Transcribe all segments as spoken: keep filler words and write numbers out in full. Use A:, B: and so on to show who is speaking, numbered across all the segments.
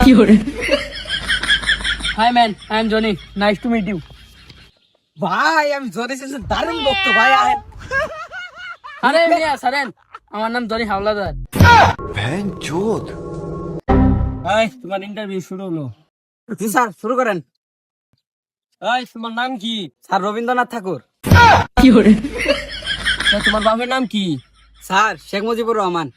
A: Hi man, I am Johnny. Nice to meet you.
B: ভাই আমি Johnny সিনসের দারুণ ভক্ত ভাই। আহেন
A: আরে মিয়া সারেন, আমার নাম জনি হাওলাদার।
C: ভ্যানচোদ।
A: ভাই তোমার ইন্টারভিউ শুরু হলো।
B: জি স্যার, শুরু করেন।
A: ভাই তোমার নাম কি?
B: স্যার রবীন্দ্রনাথ ঠাকুর।
A: স্যার, তোমার বাবার নাম কি?
B: স্যার শেখ মুজিবুর রহমান।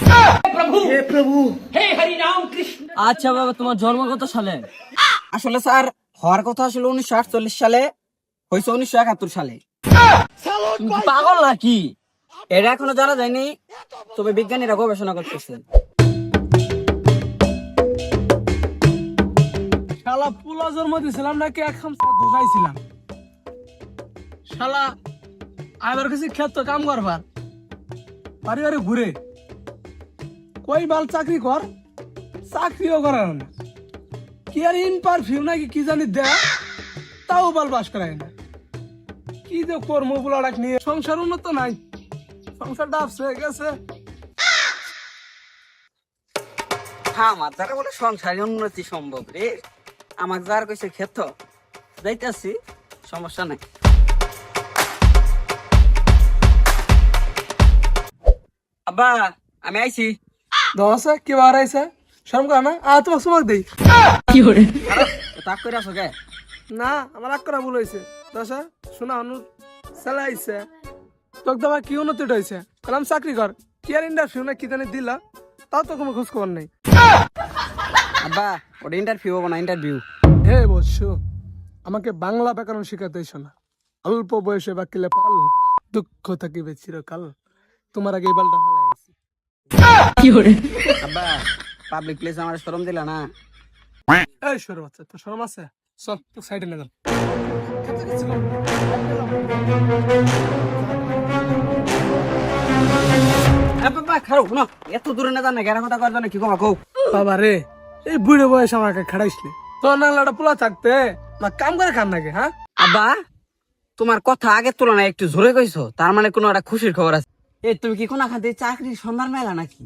A: আচ্ছা বাবা, তোমার জন্ম কত সালে?
B: আসলে স্যার হওয়ার কথা আসলে উনিশশো আটচল্লিশ সালে, হয়েছে উনিশশো একাত্তর সালে।
A: তুমি কি পাগল নাকি?
B: এটা এখনো জানা যায়নি, তবে বিজ্ঞানীরা গবেষণা করতেছে।
D: শালা পুলা জন্ম দিয়েছিলাম নাকি এক খামসা ঘুষাইছিলাম। শালা আবার কিছু ক্ষেত্র কাম করবার বাড়ি বাড়ি ঘুরে কই বাল চাকরি কর, চাকরিও করার না। কি আর ইন পারফিউম নাকি কি জানি দেয়, তাও বাল বাস করায় না। কি যে কর্ম বুলাডাক নিয়ে সংসার উন্নত নাই, সংসার ডাবছে গেছে।
B: হ্যাঁ, আমার দ্বারা বলে সংসারে উন্নতি সম্ভব রে। আমার যার কইছে ক্ষেত্র যাইতেছি, সমস্যা নাই। আব্বা আমি আইছি।
D: দশে কি বার আইসে শরম কর না, আ তোমার সুমাক দেই।
B: তাক করে আসো কে?
D: না আমার এক করা ভুল হয়েছে। দশা শোনা অনু চালাইছে তোকে তোমার কি উন্নতি হয়েছে, কালাম চাকরি কর। কি আর ইন্টারভিউ না কি জানি দিলা, তাও তো কোনো খোঁজ খবর নেই।
B: আব্বা ওটা ইন্টারভিউ হবো না, ইন্টারভিউ।
D: হে বৎস, আমাকে বাংলা ব্যাকরণ শিখাতে এসো না। অল্প বয়সে বাকিলে পাল, দুঃখ থাকিবে চিরকাল। তোমার আগে এই বালটা ভালো আইছি।
B: আব্বা পাবলিক প্লেস আমার শরম দিলা না।
D: এই সর বাচ্চা, তোর শরম আছে? চল তো সাইডে না যান।
B: বাবা খারাপ না, এত দূরে না জানা গেরা কথা করবে না, কি কমা কৌ।
D: বাবা রে, এই বুড়ো বয়স আমাকে খাড়াইসলে তো নাংলাটা পোলা থাকতে না কাম করে খান নাকি? হ্যাঁ
B: আব্বা তোমার কথা আগের তুলনায় একটু জোরে কইছো, তার মানে কোনো একটা খুশির খবর আছে। এই তুমি কি কোন খাতে চাকরির সন্ধান মেলা নাকি?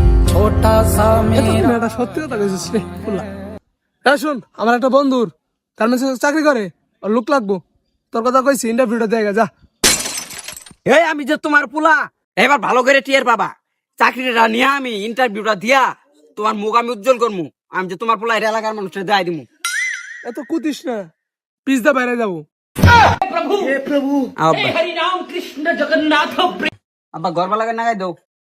D: এটা সত্যি কথা কইছিস রে পোলা। হ্যাঁ শুন, আমার একটা বন্ধুর তার মেসে চাকরি করে, আর লোক লাগবো। তোর কথা কইছি, ইন্টারভিউটা দেখা যা।
B: এই আমি যে তোমার পোলা, এবার ভালো করে টিয়ার পাবা। চাকরিটা নিয়ে আমি ইন্টারভিউটা দিয়া তোমার মুখ আমি উজ্জ্বল করবো। আমি যে তোমার পোলা, এটা এলাকার মানুষের দেয় দিমু।
D: এত কুতিস না, পিছদা বাইরে যাবো।
B: আব্বা আব্বা গর্বা লাগে না গাই দাও।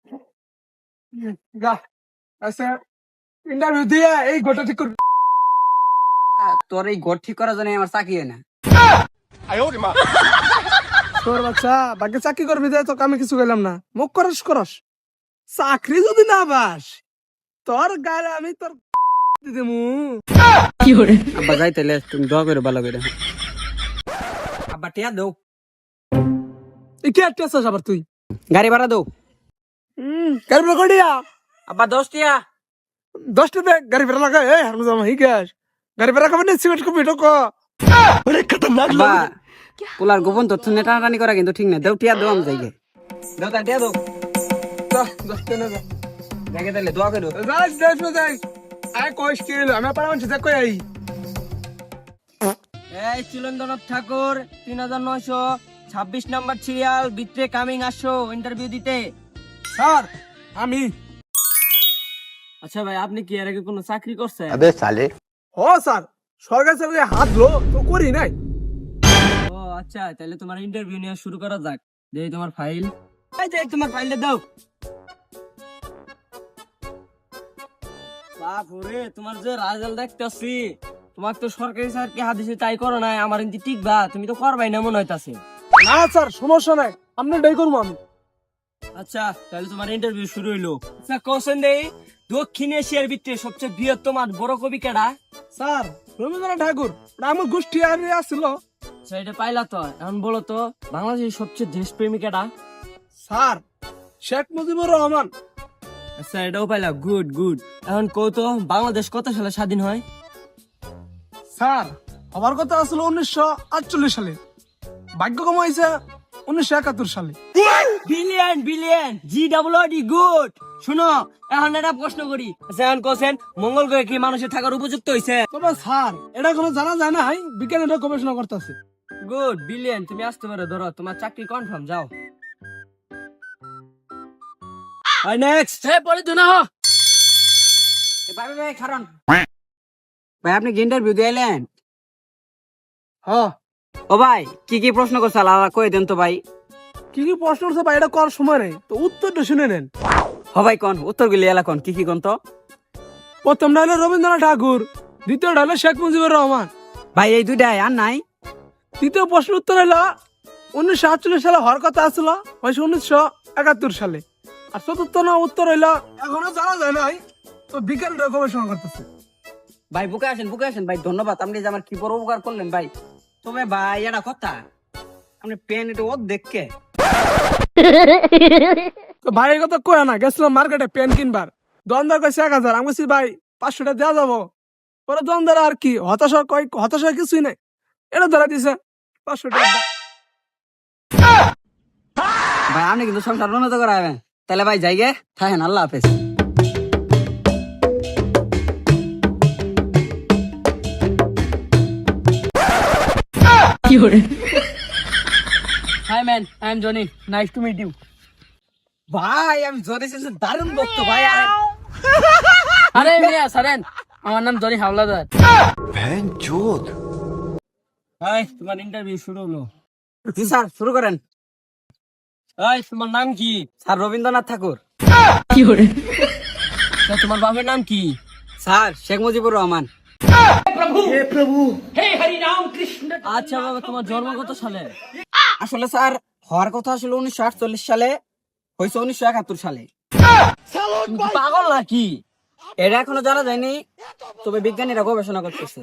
D: গা আচ্ছা, ইন্টারভিউ দিয়ে এই গোটা ঠিক কর।
B: তোর এই ঘর ঠিক করার জন্য আমার চাকরি হয় না।
D: তোর বাচ্চা বাকি চাকরি করবি দে, তোকে আমি কিছু গেলাম না। মুখ করস করস, চাকরি যদি না বাস তোর গায়ে আমি তোর দিমু।
B: আব্বা যাই তাহলে, তুমি দোয়া করে ভালো করে। আব্বা টিয়া দাও।
D: এই কি একটা আছিস আবার তুই?
B: গাড়ি ভাড়া দাও।
D: হম গাড়ি ভাড়া করিয়া
B: আব্বা দশ টিয়া।
D: দশটা দেখ গাড়ি ভাড়া লাগা। এই হারমজামা হি গ্যাস গাড়ি ভাড়া খাবেন, সিমেন্ট কপি ঢোকো।
B: আব্বা পোলার গোপন তথ্য নিয়ে টানাটানি করা কিন্তু ঠিক না। দেও টিয়া দাও, আমি যাই গে। দাও তা টিয়া দাও।
D: দশটা না যা
B: দেখে তাহলে দোয়া করো।
D: যাই যাই যাই আয় কইস কি হলো, আমি পারমান সেটা কই আই।
A: এই চিলন্দ্রনাথ ঠাকুর, তিন হাজার নয়শো ছাব্বিশ নাম্বার সিরিয়াল, ভিতরে কামিং আসো ইন্টারভিউ দিতে।
D: স্যার আমি।
A: আচ্ছা ভাই, আপনি কি এর আগে কোনো চাকরি করছেন?
C: अबे साले।
D: ও স্যার, সরকারি চাকরি হাত লো তো করি নাই।
A: ও আচ্ছা, তাহলে তোমার ইন্টারভিউ নিয়ে শুরু করা যাক। দেই তোমার ফাইল। এই যে তোমার ফাইলটা দাও। বাপুরে, তোমার যে রেজাল্ট দেখতেছি, তোমার তো সরকারি চাকরি হাদিসে তাই করো নাই। আমার ইন্তি টিকবা, তুমি তো করবাই না মনে হইতাছে।
D: না স্যার সমস্যা নাই, আপনি ডাই করবো আমি।
A: আচ্ছা তাহলে তোমার ইন্টারভিউ শুরু হইলো। আচ্ছা কোশ্চেন দেই, দক্ষিণ এশিয়ার ভিতরে সবচেয়ে বৃহত্তম আর বড় কবি কেডা?
D: স্যার রবীন্দ্রনাথ ঠাকুর, ওটা আমার গোষ্ঠী আর আসছিল।
A: আচ্ছা এটা পাইলা তো, এখন বলো তো বাংলাদেশের সবচেয়ে দেশপ্রেমী কেডা?
D: স্যার শেখ মুজিবুর রহমান।
A: আচ্ছা এটাও পাইলা, গুড গুড। এখন কও তো বাংলাদেশ কত সালে স্বাধীন হয়?
D: স্যার আমার কথা আসলে উনিশশো আটচল্লিশ সালে, ভাগ্য কম হয়েছে উনিশশো একাত্তর সালে।
A: Billion billion, G double D, good. শুনো এখন একটা প্রশ্ন করি আচ্ছা, এখন কোসেন মঙ্গল গ্রহে কি মানুষের থাকার উপযুক্ত হয়েছে?
D: তবে স্যার এটা কোনো জানা যায় না, হাই বিজ্ঞান এটা গবেষণা করতেছে।
A: গুড বিলিয়ন, তুমি আসতে পারো, ধরো তোমার চাকরি কনফার্ম, যাও। I next.
D: এ পরে তো না
B: ভাই ভাই কারণ ভাই আপনি কি ইন্টারভিউ দিলেন?
D: হ
B: ও ভাই কি কি প্রশ্ন করছে আলাদা কই দেন তো ভাই।
D: কি কি প্রশ্ন করছে ভাই, এটা করার সময় নেই, তো উত্তরটা শুনে নেন।
B: হ ভাই কোন উত্তর গুলি এলা কোন কি কি কোন তো।
D: প্রথমটা হলো রবীন্দ্রনাথ ঠাকুর, দ্বিতীয়টা হলো শেখ মুজিবুর রহমান,
B: ভাই এই দুইটাই আর নাই।
D: তৃতীয় প্রশ্ন উত্তর হলো উনিশশো আটচল্লিশ সালে হওয়ার কথা আসলো, হয়েছে উনিশশো একাত্তর সালে। আর চতুর্থ না উত্তর হইলো এখনো জানা যায় নাই, তো বিজ্ঞানীরা গবেষণা করতেছে।
B: ভাই বুকে আসেন বুকে আসেন ভাই, ধন্যবাদ আপনি যে আমার কি বড় উপকার করলেন ভাই। তবে ভাই এটা কথা আপনি পেন এটা ও দেখকে
D: তো ভাই এই কথা কয় না, গেছিলাম মার্কেটে পেন কিনবার, দোকানদার কইছে এক হাজার, আমি কইছি ভাই পাঁচশো টাকা দেওয়া যাবো। পরে দোকানদার আর কি হতাশা কয়, হতাশা কিছুই নাই, এটা ধরা দিছে পাঁচশো টাকা দাও।
B: ভাই আপনি কিন্তু সংসার উন্নত করাবেন, তাহলে ভাই যাই গে থাকেন, আল্লাহ হাফেজ।
A: Hi man, I am Johnny, nice to meet you.
B: ভাই আমি জোরে শেষে দারুণ বকতো ভাই। আর
A: আরে মিয়া সারেন, আমার নাম জনি হাওলাদার।
C: बहन चोद।
A: হাই, তোমার ইন্টারভিউ শুরু হলো।
B: জি স্যার শুরু করেন।
A: এই তোমার নাম কি?
B: স্যার রবীন্দ্রনাথ ঠাকুর।
A: তা তোমার বাবার নাম কি?
B: স্যার শেখ মুজিবুর রহমান।
A: আচ্ছা বাবা, তোমার জন্ম কত সালে?
B: আসলে স্যার হওয়ার কথা আসলে উনিশশো আটচল্লিশ সালে, হয়েছে উনিশশো একাত্তর সালে।
A: তুমি কি পাগল নাকি?
B: এটা এখনো জানা যায়নি, তবে বিজ্ঞানীরা গবেষণা করতেছে।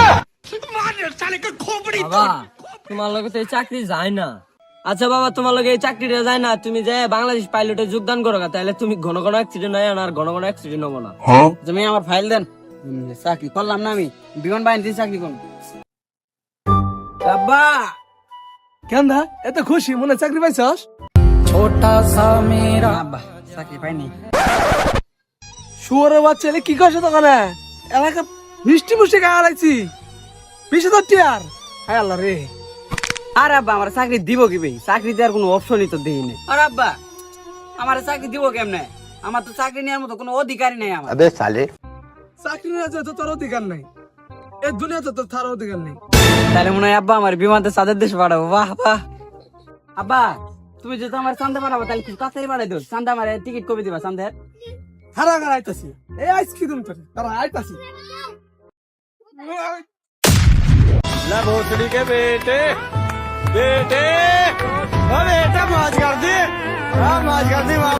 A: বাবা তোমার লগে তো এই চাকরি যায় না। আচ্ছা বাবা, তোমার লগে এই চাকরিটা যায় না, তুমি যে বাংলাদেশ পাইলটে যোগদান করো গা, তাহলে তুমি ঘন ঘন অ্যাক্সিডেন্ট হয় আর ঘন ঘন অ্যাক্সিডেন্ট হবো না।
B: তুমি আমার ফাইল দেন, হুম, চাকরি করলাম না, আমি বিমান বাহিনীতে চাকরি করবো।
D: আব্বা কেন দা এত খুশি, মনে হয় চাকরি পাইছস?
B: আব্বা চাকরি পাইনি।
D: শুয়ারের বাচ্চা এলে কি করছে দোকানে, এলাকা মিষ্টি মুষ্টি খাওয়া লাগছি, বিশ হাজার টিয়ার। হায় আল্লাহ রে।
B: আর আব্বা আমার চাকরি দিব কি ভাই, চাকরি দেওয়ার কোনো অপশনই তো দেই না। আর আব্বা আমার চাকরি দিব কেমনে, আমার তো চাকরি নেওয়ার মতো কোনো অধিকারই নেই আমার।
C: अबे साले।
D: চাকরি নিয়ে তো তোর অধিকার নাই, এই দুনিয়াতে তোর তার অধিকার নেই।
B: তাহলে মনে হয় আব্বা আমার বিমানতে চাঁদের দেশে পাঠাবো। বাহ বাহ। আব্বা তুমি যদি আমার চান্দা পাঠাবো তাহলে কিছু তাড়াতাড়ি পাঠাই দিও। চান্দা আমার টিকিট কবে দিবা চান্দের?
D: হারা হারা আইতাছি, এই আইসক্রিম তোর তারা আইতাছি।
E: ला भोसड़ी के बेटे बेटे अरे बेटा मौज कर दी हाँ मौज कर दी।